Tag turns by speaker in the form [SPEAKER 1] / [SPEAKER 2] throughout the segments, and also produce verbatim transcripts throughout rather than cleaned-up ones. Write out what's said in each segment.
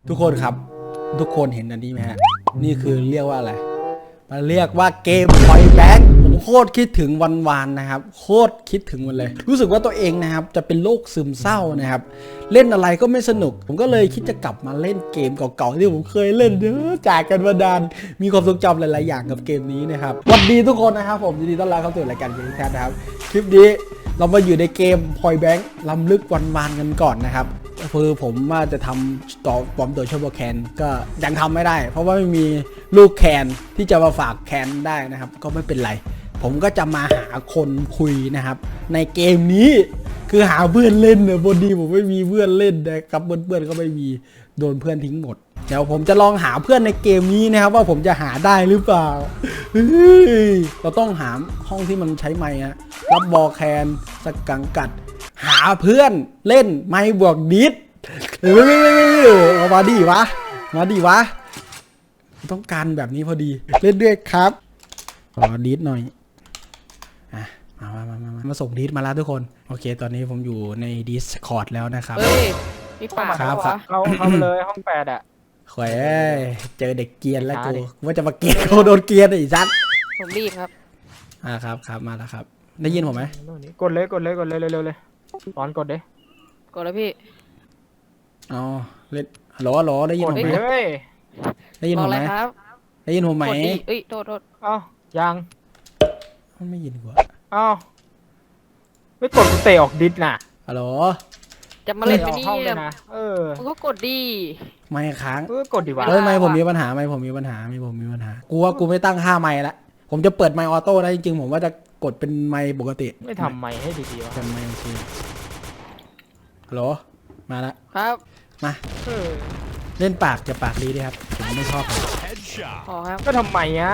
[SPEAKER 1] ทุกคนครับทุกคนเห็นอันนี้ไหมฮะนี่คือเรียกว่าอะไรมันเรียกว่าเกมพอยแบงค์ผมโคตรคิดถึงวันวานนะครับโคตรคิดถึงมันเลยรู้สึกว่าตัวเองนะครับจะเป็นโรคซึมเศร้านะครับเล่นอะไรก็ไม่สนุกผมก็เลยคิดจะกลับมาเล่นเกมเก่าๆที่ผมเคยเล่นเยอะจากกันมาดานมีความทรงจำหลายๆอย่างกับเกมนี้นะครับสวัสดีทุกคนนะครับผมยินดีต้อนรับเข้าสู่รายการเกมแคทนะครับคลิปนี้เรามาอยู่ในเกมพอยแบงค์ล้ำลึกวันวานกันก่อนนะครับคือผมว่าจะทำต่อปลอมตัวชั่วโมงแคนก็ยังทำไม่ได้เพราะว่าไม่มีลูกแคนที่จะมาฝากแคนได้นะครับก็ไม่เป็นไรผมก็จะมาหาคนคุยนะครับในเกมนี้คือหาเพื่อนเล่นเนี่ยพอดีผมไม่มีเพื่อนเล่นนะครับเพื่อนๆก็ไม่มีโดนเพื่อนทิ้งหมดเดี๋ยวผมจะลองหาเพื่อนในเกมนี้นะครับว่าผมจะหาได้หรือเปล่าเราต้องหาห้องที่มันใช้ไมค์นะรับบอลแคนสกังกัดหาเพื่อนเล่นไม่บวกดิสเออมาดิวะมาดิวะต้องการแบบนี้พอดีเล่นด้วยครับขอดิสหน่อยอ่ะมามามามามาส่งดิสมาแล้วทุกคนโอเคตอนนี้ผมอยู่ใน Discord แล้วนะครับ
[SPEAKER 2] เฮ้ยพี่ป่า
[SPEAKER 1] ครับครับ
[SPEAKER 3] เราเข้าไปเลยห้องแปดอ่ะ
[SPEAKER 1] แขวเจอเด็กเกียนแล้วกูว่าจะมาเกียนเขาโดนเกียนอีกซัด
[SPEAKER 2] ผมรีบครับ
[SPEAKER 1] อ่าครับครับมาแล้วครับได้ยินผมไหม
[SPEAKER 3] กดเลยกดเลยกดเลยเร็วๆเลยตอนกดเลย
[SPEAKER 2] กดแล้วพี่
[SPEAKER 1] อ๋อเล่นฮัลโหลฮัลโหลได้ยินผมไหมได้ยินผมไหมได้ยินผมไหม
[SPEAKER 2] เอ้ยโทษโทษ
[SPEAKER 3] เอ้ายัง
[SPEAKER 1] มันไม่ยินกู
[SPEAKER 3] เอ้าไม่กดกูเตะออกดิสน่ะ
[SPEAKER 1] ฮัลโหล
[SPEAKER 2] จะมาเล่นไปนี่
[SPEAKER 3] นะเออ
[SPEAKER 2] มึงก็กดดี
[SPEAKER 1] ไม่ค้าง
[SPEAKER 3] เออกดดีวะ
[SPEAKER 1] เฮ้ยไม่ผมมีปัญหาไม่ผมมีปัญหาไม่ผมมีปัญหากูว่ากูไม่ตั้งค่าไมค์ละผมจะเปิดไมค์ออโต้ได้จริงๆผมว่าจะกดเป็นไมค์ปกติ
[SPEAKER 3] ไม่ทำไมค์ให้ดีๆวะ
[SPEAKER 1] เป็นไมค์โอเคฮัลโหลมาละ
[SPEAKER 2] ครับ
[SPEAKER 1] มาเล่นปากจะปากดีดีครับผมไม่ชอบ
[SPEAKER 2] อ๋อครับ
[SPEAKER 3] ก็ทำไมอ่ะ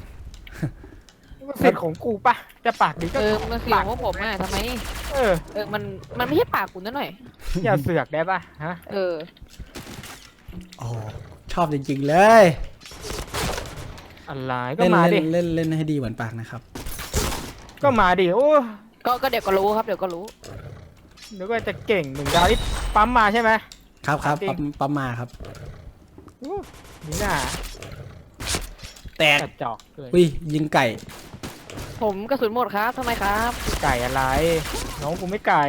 [SPEAKER 3] เสร็จของกูปะจะปากดีก็
[SPEAKER 2] เออมันเสียงของผมอ่ะทำไม
[SPEAKER 3] เออ
[SPEAKER 2] เออมันมันไม่ใช่ปากกูนั่นหน่อย
[SPEAKER 3] อย่าเสือกได้ปะฮะ
[SPEAKER 2] เออ
[SPEAKER 1] โอ้ชอบจริงๆเลย
[SPEAKER 3] อะไรก็มาดิ
[SPEAKER 1] เล่นเล่นให้ดีเหมือนปากนะครับ
[SPEAKER 3] ก็มาดิโอ้
[SPEAKER 2] ก็ก็เดี๋ยวก็รู้ครับเดี๋ยวก็รู้
[SPEAKER 3] เดี๋ยวก็จะเก่งหนึ่งดาวที่ปั๊มมาใช่ไหม
[SPEAKER 1] ครับครับปั๊มปั๊มมาครับ
[SPEAKER 3] นี่น่ะ
[SPEAKER 1] แตก
[SPEAKER 3] จอกเลย
[SPEAKER 1] อุ้ยยิงไก่
[SPEAKER 2] ผมกระสุนหมดครับทำไมครับ
[SPEAKER 3] ไก่อะไรน้องกูไม่ไก่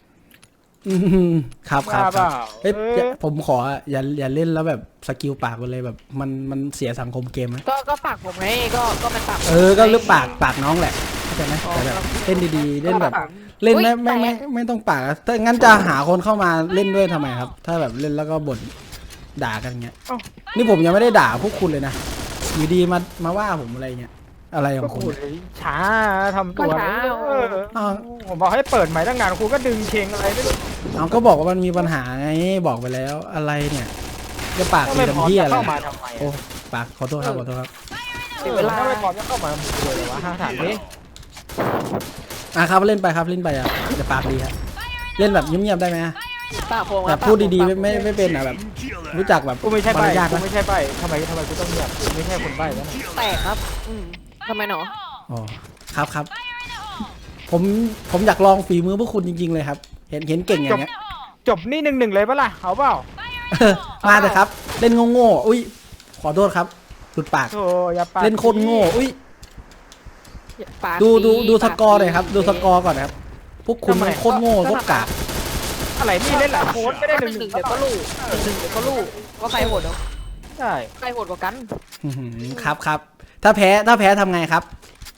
[SPEAKER 1] ครับครับเฮ้ยผมขออย่าอย่าเล่นแล้วแบบสกิลปากไปเลยแบบมันมันเสียสังคมเกมไหม
[SPEAKER 2] ก็ก็ปากผมไงก็ก็มันปาก
[SPEAKER 1] เออก็เลือกปากปากน้องแหละเข้าใจไหมแต่แบบเล่นดีๆเล่นแบบเล่นไม่ไม่ไม่ไม่ต้องปากถ้างั้นจะหาคนเข้ามาเล่นด้วยทำไมครับถ้าแบบเล่นแล้วก็บ่นด่ากันเงี้ยนี่ผมยังไม่ได้ด่าพวกคุณเลยนะอยู่ดีมามาว่าผมอะไรเงี้ยอะไรของคุณ
[SPEAKER 3] ช้าทำตัวผมบอกให้เปิดใหม่ตั้งนานคุณก็ดึงเชงอะไรไม่รู้
[SPEAKER 1] เอาก็บอกว่ามันมีปัญหาไงบอกไปแล้วอะไรเนี่ยจะปากเป็นเหี้ยอะไรโอ้ปากขอโทษครับขอโทษครับ
[SPEAKER 3] เวลาไม่พร้อมจะเข้ามาคุยเลยวะห้าถามนี้
[SPEAKER 1] อ่ะครับเล่นไปครับเล่นไปอ่ะจะปากดีครับเล่นแบบเงียบๆได้ไหมแบบพูดดีๆไม่ไม่ไม่เป็นอ่ะแบบรู้จักแบบ
[SPEAKER 3] กูไม่ใช่ใบกูไม่ใช่ใบทำไมทำไมกูต้องเงียบกูไม่ใช่คนใบแล้ว
[SPEAKER 2] แตกครับอืมทำไมหนอ
[SPEAKER 1] อ๋อครับครับผมผมอยากลองฝีมือพวกคุณจริงๆเลยครับเห็นเห็นเก่งอย่างเงี้ย
[SPEAKER 3] จบนี่หนึ่งหนึ่งเลยปะล่ะเอาเปล่า
[SPEAKER 1] มาแต่ครับเล่นโง่ๆอุ้ยขอโทษครับหลุดปากเล่นโคตรโง่อุ้ยดูดูดูสกอร์เลยครับดูสกอร์ก่อนครับพวกคุณโคตรโง่พวกกาก
[SPEAKER 3] อะไรนี่เล่นหลังโค้ดไม่ได้หนึ่งหนึ่ง
[SPEAKER 2] เดี๋ยวก็รู้หนึ่งเดี๋ยวก็รู้ว่าใครโหดเนาะ
[SPEAKER 3] ใช่
[SPEAKER 2] ใครโหดกว่ากัน
[SPEAKER 1] ครับครับถ้าแพ้ถ้าแพ้ทำไงครับ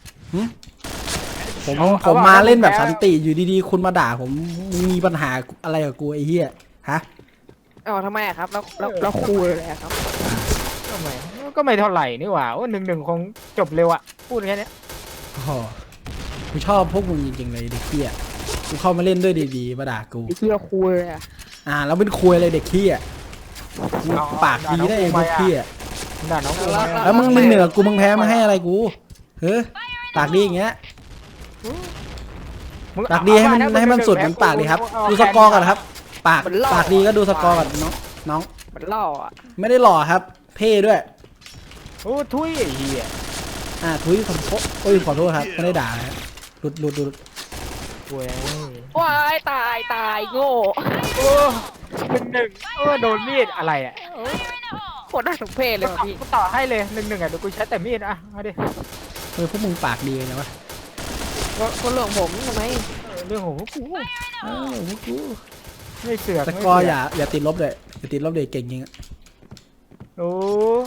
[SPEAKER 1] ผมผมมาเล่นแบบสันติอยู่ดีๆคุณมาด่าผมมีปัญหาอะไรกับกูไอ้เหี้ยฮะ
[SPEAKER 2] อ๋อทำไมอะครับแล้วแล้วแล้วคุยเลยครับ
[SPEAKER 3] ทำไมก็ไม่เท่าไหร่นี่หว่าว่าหนึ่งหนึ่งคงจบเร็วอะพูดแค่นี้
[SPEAKER 1] โอ้กูชอบพวกมึงจริงๆเลยเด็กเหี้ยกูเข้ามาเล่นด้วยดีๆมาด่ากู
[SPEAKER 2] เหี้ยคุยอะ
[SPEAKER 1] อ่าแล้วเป็นคุยอะไรเด็กเหี้ยปากดีได้เองพวกเหี้ย
[SPEAKER 3] ด่าน้องกู
[SPEAKER 1] แล้วมึงมึงเหนือกูมึงแพ้มาให้อะไรกูเฮ้ยปากดีอย่างเงี้ยปากดีให้มันให้มันสุดเหมือนปากดีครับดูสกอร์ก่อนครับปากปากดีก็ดูสกอร์ก่อนน้องน้อง
[SPEAKER 2] มันหล่ออ่ะ
[SPEAKER 1] ไม่ได้หล่อครับเพ่ด้วย
[SPEAKER 3] โอ้ทุยเหี้ย
[SPEAKER 1] อ่าทุยคำโป๊ะโอ้ยขอโทษครับไม่ได้ด่านะหลุดหลุดหลุด
[SPEAKER 3] ว้าย
[SPEAKER 2] ว้ายตายตายโง่
[SPEAKER 3] หนึ่งหนึ่งเออโดนมีดอะไรอ่ะ
[SPEAKER 2] โคตรน่าสมเพชเลยว่ะพี่
[SPEAKER 3] กูต่อให้เลยหนึ่งหนึ่งอ่ะเดี๋ยวกูใช้แต่มีดอ่ะเอาดิ
[SPEAKER 1] เออพวกมึงปากดีเลยนะวะ
[SPEAKER 2] ว่าคนหลวงผมทำไม
[SPEAKER 3] เออเรื่องของพวกกู
[SPEAKER 1] เออพวกกู
[SPEAKER 3] ไม่เสือก
[SPEAKER 1] แต่
[SPEAKER 3] ไม่
[SPEAKER 1] ก็
[SPEAKER 3] เสื
[SPEAKER 1] อย่าอย่าติดลบเลยอย่าติดลบเลยเก่งจริงอะ
[SPEAKER 3] โอ้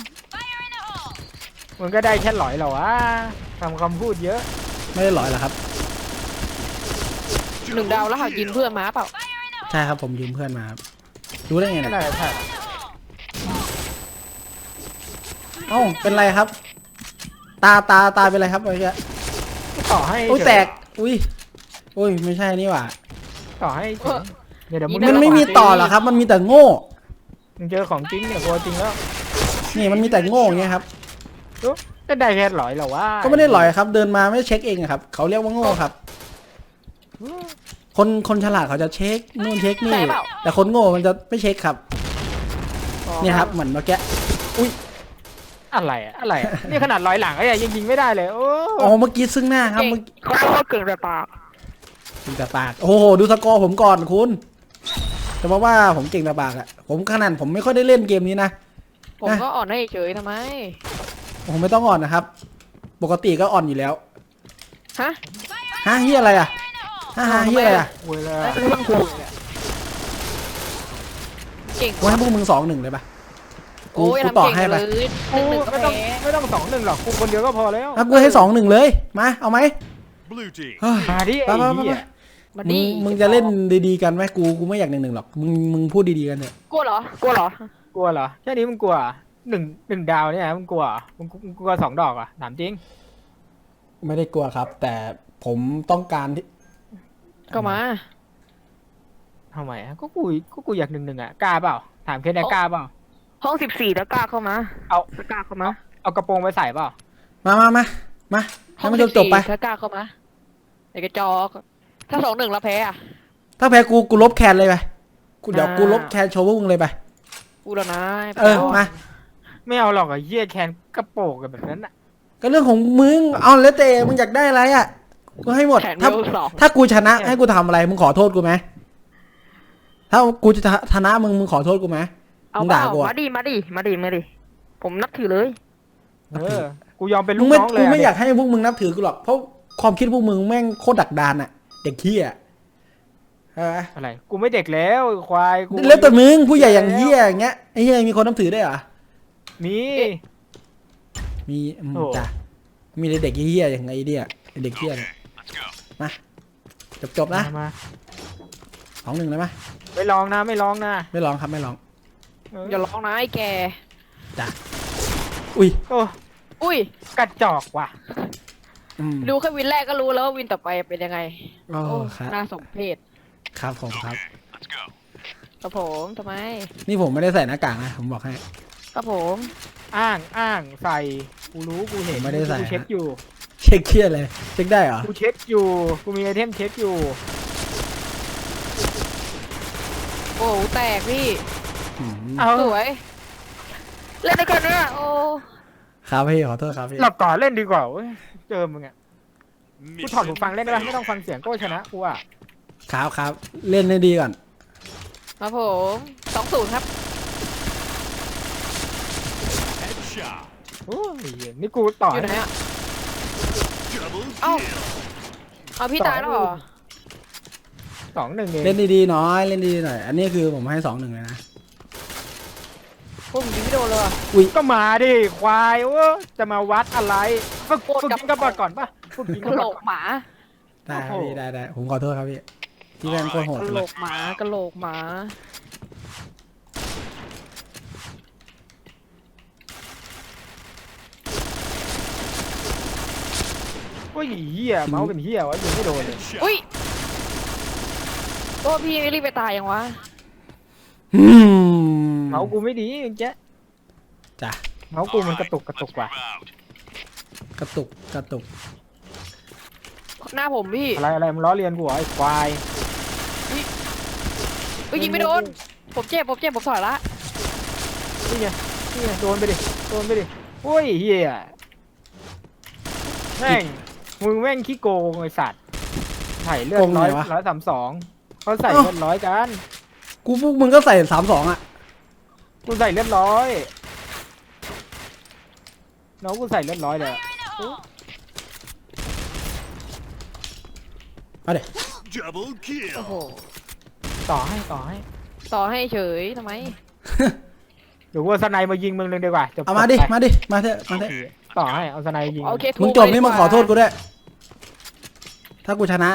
[SPEAKER 3] มึงก็ได้แค่หลอยเหรอวะทำคำพูดเยอะ
[SPEAKER 1] ไม่ได้หลอยเหรอครับ
[SPEAKER 2] หนึ่งดาวแล้วหากินเพื่อนมาเปล่า
[SPEAKER 1] ใช่ครับผมยืมเพื่อนมาครับรู้ได้ไง
[SPEAKER 3] นั่น
[SPEAKER 1] เนี่ย
[SPEAKER 3] แหละใช่
[SPEAKER 1] เอ้าเป็นไรครับ ตาตาตาเป็นไรครับเมื่อกี้
[SPEAKER 3] ต่อให้
[SPEAKER 1] โอ้ยแตกอุ้ยอุ้ยไม่ใช่นี่หว่า
[SPEAKER 3] ต่อให้เฉยเดี๋ยวเดี๋ยวมึง
[SPEAKER 1] มันไม่มีต่อหรอครับ มันมีแต่โง่
[SPEAKER 3] มึงเจอของจริงเนี่ยกลัวจริงแล้ว
[SPEAKER 1] นี่มันมีแต่โง่อย่างเงี้ยครับ
[SPEAKER 3] ก็ได้แค่หลอยเหรอวะ
[SPEAKER 1] ก็ไม่ได้หลอยครับ เดินมาไม่เช็คเองอะครับเขาเรียกว่าโง่ครับ คนคนฉลาดเขาจะเช็คนู่นเช็คนี่
[SPEAKER 2] ใช่เปล่า
[SPEAKER 1] แต่คนโง่มันจะไม่เช็คครับเนี่ยครับเหมือนเมื่อกี้
[SPEAKER 3] อะไรอะอะไรอะนี่ขนาดลอยหลังก็ยังยิงไม่ได้เลยโอ้
[SPEAKER 1] อ๋อเมื่อกี้ซึ่งหน้าครับ
[SPEAKER 2] เก่ง
[SPEAKER 1] เมื่อกี้
[SPEAKER 2] เขาเรียกว่าเก่งแต่ปาก
[SPEAKER 1] เก่งแต่ปากโอ้โหดูสกอร์ผมก่อนคุณจะมาว่าผมเก่งแต่ปากอะผมขนาดผมไม่ค่อยได้เล่นเกมนี้นะ
[SPEAKER 2] ผมก็อ่อนให้เฉยทำไม
[SPEAKER 1] ผมไม่ต้องอ่อนนะครับ ปกติก็อ่อนอยู่แล้ว
[SPEAKER 2] ฮะ
[SPEAKER 1] ฮะเฮียอะไรอะฮะฮะเฮียอะไรอะ
[SPEAKER 3] เวลา
[SPEAKER 2] แล้วเรื่องคุยเนี่ยเก่ง
[SPEAKER 1] กูให้พวกมึงสองหนึ่งเลยปะกู
[SPEAKER 2] โอ้ย
[SPEAKER 1] กู
[SPEAKER 2] ทำ
[SPEAKER 1] ต่อ
[SPEAKER 2] เก่ง
[SPEAKER 1] ให้
[SPEAKER 2] เล
[SPEAKER 1] ไป
[SPEAKER 2] ยหนึ่งหนึ่งก็
[SPEAKER 3] ไม่ต้อง
[SPEAKER 2] แพ้
[SPEAKER 3] ไม่ต้องสองหนึ่งหรอกกูคนเดียวก็พอแล้ว
[SPEAKER 1] อ่ะกูให้สองหนึ่งเลยมาเอาไหม
[SPEAKER 4] Blue team.
[SPEAKER 1] เฮ้ย
[SPEAKER 3] มาดิ
[SPEAKER 1] ไป
[SPEAKER 3] ไอ้
[SPEAKER 1] ไปไป
[SPEAKER 3] เหี้
[SPEAKER 1] ไป
[SPEAKER 3] ย
[SPEAKER 2] มา
[SPEAKER 1] มึ
[SPEAKER 2] ดิ
[SPEAKER 1] งมึงจะเล่นดีๆกันไหมกูกูไม่อยากหนึ่งหนึ่งหรอกมึงมึงพูดดีๆกันเถอะ
[SPEAKER 2] กลัวเหรอกลัวเหรอก
[SPEAKER 3] ลัวเหรอแค่นี้มึงกลัวหนึ่งหนึ่งดาวเนี่ยมึงกลัวมึงมึงกลัวสองดอกอ่ะถามจริง
[SPEAKER 1] ไม่ได้กลัวครับ แต่ผมต้องการที่
[SPEAKER 2] ก็มา
[SPEAKER 3] ทำไมอะก็กูก็กูอยากหนึ่งหนึ่งอ่ะกล้าเปล่าถามแค่นี้กล้าเปล่า
[SPEAKER 2] ห้องสิบสี่แล้วกล้าเข้ามา
[SPEAKER 3] เอา
[SPEAKER 2] แล้วกล้าเข้ามา
[SPEAKER 3] เอากระโปรงไปใส่เปล่า
[SPEAKER 1] มามามามาให้มันจบจบๆไป
[SPEAKER 2] ถ้ากล้าเข้ามาไอ้กระจอก ถ้าสองหนึ่งแล้วแพ้อะ
[SPEAKER 1] ถ้าแพ้กูกูลบแคนเลยไปกูเดี๋ยว
[SPEAKER 2] อ่า
[SPEAKER 1] กูลบแคนโชว์พวกมึงเลยไป
[SPEAKER 2] กูแล้วนะ
[SPEAKER 1] เออมา
[SPEAKER 3] ไม่เอาหรอกไอ้เหี้ยแคนกระโปรงกันแบบนั้นอ่ะ
[SPEAKER 1] ก็เรื่องของมึงเอาแล้วแต่มึงอยากได้อะไรอ่ะกูให้หมด
[SPEAKER 2] แข่ง
[SPEAKER 1] ถ้า
[SPEAKER 2] เวลสอง
[SPEAKER 1] ถ้ากูชนะให้กูทำอะไรมึงขอโทษกูไหมถ้ากูจะชนะมึงมึงขอโทษกูไหม
[SPEAKER 2] เอา
[SPEAKER 1] มึง
[SPEAKER 2] เป
[SPEAKER 1] ด่า
[SPEAKER 2] ล่า
[SPEAKER 1] กูอะ
[SPEAKER 2] มาดิมาดิมาดิมาดิผมนับถือเลย
[SPEAKER 3] เออกูยอมเป็น
[SPEAKER 1] มึ
[SPEAKER 3] ลู
[SPEAKER 1] ง
[SPEAKER 3] ก
[SPEAKER 1] ไม่
[SPEAKER 3] น้องเล
[SPEAKER 1] กู
[SPEAKER 3] ย
[SPEAKER 1] ไม่
[SPEAKER 3] อะ
[SPEAKER 1] อยากให้พวกมึงนับถือกูหรอกเพราะความคิดพวกมึงแม่งโคตรดักดานอ่ะ เด็กขี้อ่ะเออ
[SPEAKER 3] อะไรกูไม่เด็กแล้วควายกู
[SPEAKER 1] แล้วแต่มึงผู้ใหญ่อย่างเฮียอย่างเงี้ยไอ้เฮียมีคนนับถือได้วยเหรอ
[SPEAKER 3] มี
[SPEAKER 1] มีอืม
[SPEAKER 3] โอ้
[SPEAKER 1] จ้ะมีแต่เด็กเฮียอย่างไงเนี่ยไอ้เด็กเฮียเนี่ย
[SPEAKER 4] Let's go.
[SPEAKER 1] มาจบจบๆนะ
[SPEAKER 3] มามา
[SPEAKER 1] สองหนึ่งเลยไหม
[SPEAKER 3] ไม่ลองนะไม่ลองนะ
[SPEAKER 1] ไม่ร้องครับไม่ร้อง
[SPEAKER 3] เออ
[SPEAKER 2] อย่าร้องนะไอ้แก
[SPEAKER 1] จ้ะอุ้ย
[SPEAKER 3] โอ้
[SPEAKER 2] อุ้ย
[SPEAKER 3] กระจอกว่ะ
[SPEAKER 1] อืม
[SPEAKER 2] ดูแค่วินแรกก็รู้แล้วว่าวินต่อไปเป็นยังไง
[SPEAKER 1] โอ้
[SPEAKER 2] โอ้
[SPEAKER 1] ครับ
[SPEAKER 2] น่าสมเพช
[SPEAKER 1] ครับผมครับ
[SPEAKER 4] Let's go.
[SPEAKER 2] ครับผมทำไม
[SPEAKER 1] นี่ผมไม่ได้ใส่หน้ากากนะผมบอกให้
[SPEAKER 2] ครับผม
[SPEAKER 3] อ้างอ้างใส่กูรู้กูเห็น
[SPEAKER 1] ผมไม่ได้ใส่
[SPEAKER 3] กูเช็ค
[SPEAKER 1] ฮะ
[SPEAKER 3] อยู่
[SPEAKER 1] เช็คเครียดเลยเช็คได้เหรอ
[SPEAKER 3] กูเช็คอยู่กูมีไอเทมเช็คอยู่
[SPEAKER 2] โอ้โหแตกพี่
[SPEAKER 1] อืม
[SPEAKER 3] เอา
[SPEAKER 2] สวย เล่นด้วยกันเนี่ยโอ้
[SPEAKER 1] ครับพี่ขอโทษครับพี่
[SPEAKER 3] หลับก่อนเล่นดีกว่าเว้ยเจอมึงอ่ะกูถอดหู
[SPEAKER 4] Mission
[SPEAKER 3] ฟังเล่นได้ปะไม่ต้องฟังเสียงก็ชนะกูอ่ะ
[SPEAKER 1] ครับครับเล่นได้ดีก่อน
[SPEAKER 2] ครับผมสองศูนย์ครับ
[SPEAKER 4] headshot.
[SPEAKER 3] โอ้ยนี่กูต่อ
[SPEAKER 2] อยู่ไหนอ่ะ
[SPEAKER 4] Double
[SPEAKER 2] Oh.
[SPEAKER 4] kill.
[SPEAKER 2] เอาพี่ตายแล้วเหรอ
[SPEAKER 3] สองหนึ่งเอง
[SPEAKER 1] เล่นดีๆหน้อยเล่นดีๆหน่อย อันนี้คือผมให้สองหนึ่งเลยนะ
[SPEAKER 2] พวกผมยิงไม่โดนเลยว่ะ
[SPEAKER 3] ก็มาดิควายโอ้จะมาวัดอะไรฝึก
[SPEAKER 2] โคตร
[SPEAKER 3] ฝึก
[SPEAKER 2] กับ
[SPEAKER 3] ยิงกระบอกก่อนปะฝึกยิง
[SPEAKER 2] ก
[SPEAKER 3] ก
[SPEAKER 2] ระ
[SPEAKER 3] ระ
[SPEAKER 2] โหล
[SPEAKER 3] บอก
[SPEAKER 2] กหมา
[SPEAKER 1] ได้ครับ
[SPEAKER 3] โอ้โห
[SPEAKER 1] พี่ได้ได้ผมขอโทษครับพี่ที่แม่งโคตรโหด
[SPEAKER 2] กระโห
[SPEAKER 1] เล
[SPEAKER 2] ล
[SPEAKER 1] ย
[SPEAKER 2] กหมากระโหลกหมา
[SPEAKER 3] โอ้ยเหี้ยเมาส์เป็นเหี้ยวะยิงไม่โดนเลย
[SPEAKER 4] Headshot.
[SPEAKER 2] อุ้ยโอ้พี่รีบไปตายยังวะ
[SPEAKER 1] อืม
[SPEAKER 3] เมาส์กูไม่ดีเจ๊ะ
[SPEAKER 1] จ้ะ
[SPEAKER 3] เมาส์กูมันกระตุกกระตุก
[SPEAKER 4] Let's
[SPEAKER 3] ว่ะ
[SPEAKER 4] move out.
[SPEAKER 1] กระตุกกระตุก
[SPEAKER 2] หน้าผมพี่
[SPEAKER 3] อะไรอะไรมึงล้อเลียนกูเหรอไอ้ควาย
[SPEAKER 2] อุ้ยยิงไม่โดน ผมเจ็บผมเจ็บผมถอยละ
[SPEAKER 3] นี่ไงนี่ไงโดนไปดิโดนไปดิโอ้ยเหี้ยแม่งมึงแม่งขี้โกงไอ้สัตว์ไถ่เลือดร้อยร้อยสามสองเขาใส่เลือดร้อยกัน
[SPEAKER 1] กูฟุกมึงก็ใส่สามสองอ่ะ
[SPEAKER 3] กูใส่เรียบร้อยน้องกูใส่เรียบร้อยเลย
[SPEAKER 1] เอาเดี๋ยว
[SPEAKER 4] Double
[SPEAKER 2] โอ้โห
[SPEAKER 4] kill.
[SPEAKER 3] ต่อให้ต่อให้
[SPEAKER 2] ต่อให้เฉยทำไม
[SPEAKER 3] เดี๋ยวกูเอาสไนมายิงมึงเลยดีกว่าจบ
[SPEAKER 1] เอามาดิ
[SPEAKER 3] ไป
[SPEAKER 1] มาดิมาเถอะมาเถอะ
[SPEAKER 3] ต่อให้เอาสไนยิง
[SPEAKER 2] โอเค
[SPEAKER 1] มึงจบนี่มึงขอโทษกูด้วยถ้ากูชนะ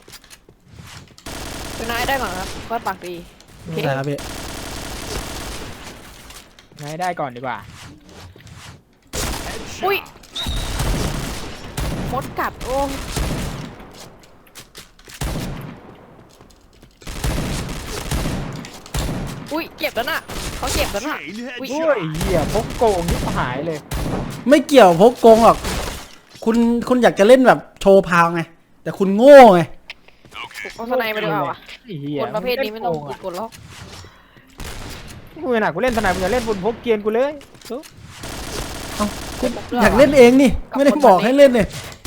[SPEAKER 2] ชนะได้ก่อนครับก็ปากดีโอเค
[SPEAKER 1] ได้ครับพี่
[SPEAKER 3] ให้ได้ก่อนดีกว่า
[SPEAKER 2] อุ้ย
[SPEAKER 4] Headshot.
[SPEAKER 2] มดกัดโอ้อุ้ยเจ็บแล้วน่ะเขาเจ็บแล้วน่ะ
[SPEAKER 4] Chain
[SPEAKER 2] อุ้ย
[SPEAKER 3] โอ้ย
[SPEAKER 4] headshot.
[SPEAKER 3] เหี้ยพกโกงยิบหายเลย
[SPEAKER 1] ไม่เกี่ยวพกโกงหรอกคุณคุณอยากจะเล่นแบบโชว์พาวไงแต่คุณโง่ไง
[SPEAKER 2] เอาสไนมาดีกว่าวะ
[SPEAKER 3] ไอ้เหี้ย
[SPEAKER 2] คนประเภทนี้ไม่ต้อง
[SPEAKER 3] ง
[SPEAKER 2] กดล็อก
[SPEAKER 3] กูขนาดกูเล่นสไนมึงจะเล่นบนพกเกียนกูเลยตุ๊บ
[SPEAKER 1] อยากเล่นเองนี่ไม่ได้บอกให้เล่นเนี่ย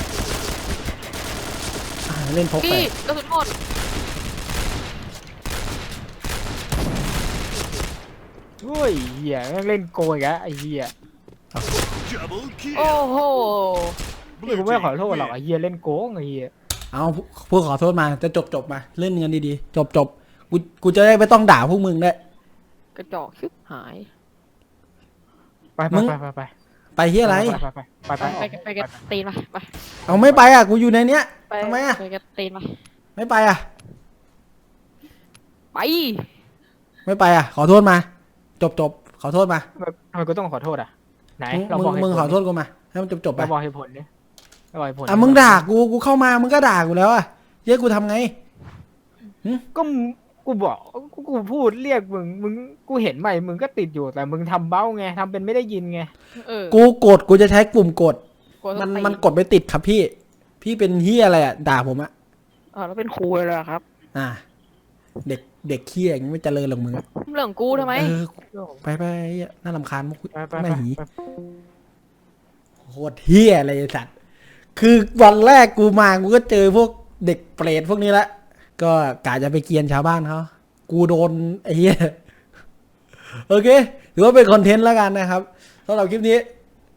[SPEAKER 1] อ่าเล่นพกไป
[SPEAKER 2] พี่กระสุนหมด
[SPEAKER 3] โอ้ยเหี้ยแม่งเล่นโกงอีกแล้วไอ้เหี้ย
[SPEAKER 4] Double
[SPEAKER 2] โอ้
[SPEAKER 4] kill.
[SPEAKER 2] โห
[SPEAKER 3] นี่กูไม่ขอโทษหรอกไอ้เหี้ยเล่นโกงไอ้เหี้ย
[SPEAKER 1] เอาพวกขอโทษมาจะจบจบมาเล่นกันดีๆจบจบกูกูจะได้ไม่ต้องด่าพวกมึงได้วย
[SPEAKER 2] กระจอกชิบหาย
[SPEAKER 3] ไปไปไปไปไป
[SPEAKER 1] ไปที่อะไร
[SPEAKER 3] ไปไปไปไป
[SPEAKER 2] ไปไปไปกันตีนมาไป
[SPEAKER 1] เอาไม่ไปอ่ะกูอยู่ในเนี้ย
[SPEAKER 2] ไป
[SPEAKER 1] ทำไมอ่ะ
[SPEAKER 2] ไปกันตีนมา
[SPEAKER 1] ไม่ไปอ่ะ
[SPEAKER 2] ไป
[SPEAKER 1] ไม่ไปอ่ะ ขอโทษมา จบจบขอโทษมา
[SPEAKER 3] ทำไมกูต้องขอโทษอ่ะไหน
[SPEAKER 1] มึง
[SPEAKER 3] เรา
[SPEAKER 1] มึ
[SPEAKER 3] บอก
[SPEAKER 1] ง
[SPEAKER 3] เหตุ
[SPEAKER 1] มึง
[SPEAKER 3] ผล
[SPEAKER 1] ขอโทษกูมาให้มันจบจบไป
[SPEAKER 3] เราบอกเหตุผลดิเราบอกเหตุผล
[SPEAKER 1] อ่ะมึงด่ากูกูเข้ามามึงก็ด่ากูแล้วอ่ะเย้กูทำไง
[SPEAKER 3] ก็มึงกูบอกกูกูพูดเรียกมึงมึงกูเห็นไหมมึงก็ติดอยู่แต่มึงทำเบ้าไงทำเป็นไม่ได้ยินไง
[SPEAKER 2] เออ
[SPEAKER 1] กูกดกูจะใช้กลุ่มกด
[SPEAKER 2] กลัว
[SPEAKER 1] มัน
[SPEAKER 2] ตี
[SPEAKER 1] มันกดไม่ติดครับพี่ พี่เป็นเฮียอะไรอ่ะด่าผมอ่ะ
[SPEAKER 2] อ๋อแล้วเป็นครูเลยเหรอครับ
[SPEAKER 1] อ่า เด็กเด็กเฮียอย่างนี้ไม่เจริญหรอกมึงอะ
[SPEAKER 2] เรื่องของกูทำไม
[SPEAKER 1] เออไปไปเหี้ยน่ารำคาญมุก
[SPEAKER 3] ไปไป
[SPEAKER 1] ไม่
[SPEAKER 3] ไป
[SPEAKER 1] หี
[SPEAKER 3] ไป
[SPEAKER 1] โคตรเฮียอะไรไอ้สัตว์ คือวันแรกกูมากูก็เจอพวกเด็กเปรตพวกนี้ละ ก็กะจะไปเกรียนชาวบ้านเขากูโดนไอ้เหี้ย โอเค ถือว่าเป็นคอนเทนต์แล้วกันนะครับสำหรับคลิปนี้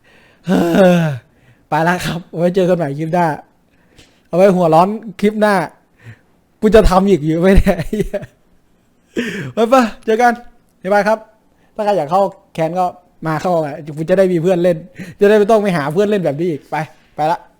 [SPEAKER 1] ไปแล้วครับ ไว้เจอกันใหม่คลิปหน้า เอาไว้หัวร้อนคลิปหน้า กูจะทำอีกอยู่ไหมเนี่ยไอ้เหี้ยไปปะเจอกันบ๊ายบายครับ ถ้าใครอยากเข้าแคนก็มาเข้ามากูจะได้มีเพื่อนเล่น จะได้ไม่ต้องไปหาเพื่อนเล่นแบบนี้อีก ไป ไปละ